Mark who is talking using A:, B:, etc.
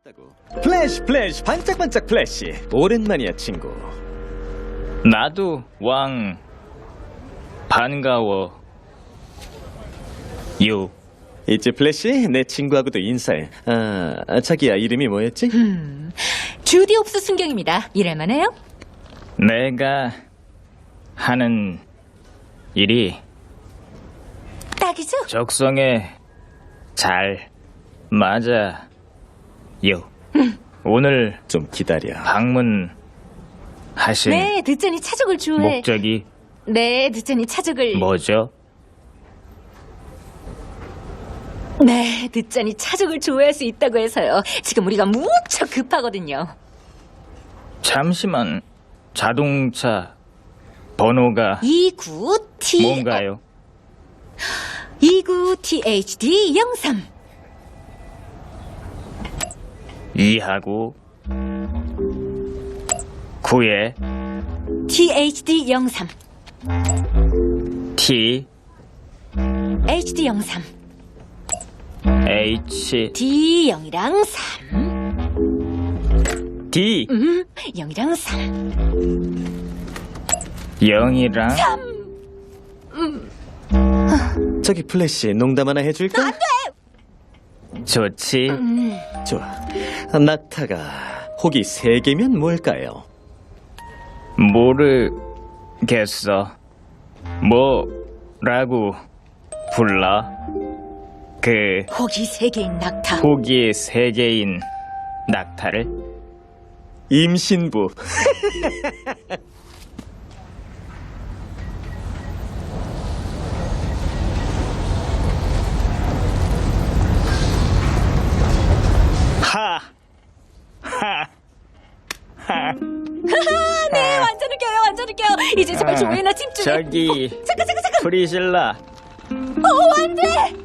A: 있다고. 플래시 플래시 반짝반짝 플래시. 오랜만이야 친구.
B: 나도 왕 반가워 요.
A: 있지 플래시? 내 친구하고도 인사해. 자기야 이름이 뭐였지?
C: 주디 옵스 순경입니다. 일할만해요?
B: 내가 하는 일이
C: 딱이죠?
B: 적성에 잘 맞아 요. 오늘
A: 좀 기다려.
B: 방문하신
C: 네, 듣자니 차족을 좋아해.
B: 목적이
C: 네, 듣자니 차족을.
B: 뭐죠?
C: 네, 듣자니 차족을 좋아할 수 있다고 해서요. 지금 우리가 무척 급하거든요.
B: 잠시만. 자동차 번호가
C: 29T
B: 뭔가요?
C: 29THD03.
B: 2하고 9에
C: THD03.
B: T
C: HD03.
B: H
C: D0이랑 3.
B: D
C: 0이랑 3.
B: 0이랑
A: 저기 플래시 농담 하나 해줄까? 안 돼!
B: 좋지.
A: 좋아. 낙타가 혹이 3개면 뭘까요?
B: 모르겠어. 뭐라고 불러? 그
C: 혹이 3개인 낙타.
B: 호기 3개인 낙타를?
A: 임신부.
C: 네, 완전 웃겨요, 완전 웃겨요. 이제 제발 조회나 집중해.
B: 저기
C: 잠깐.
B: 프리실라
C: 안 돼!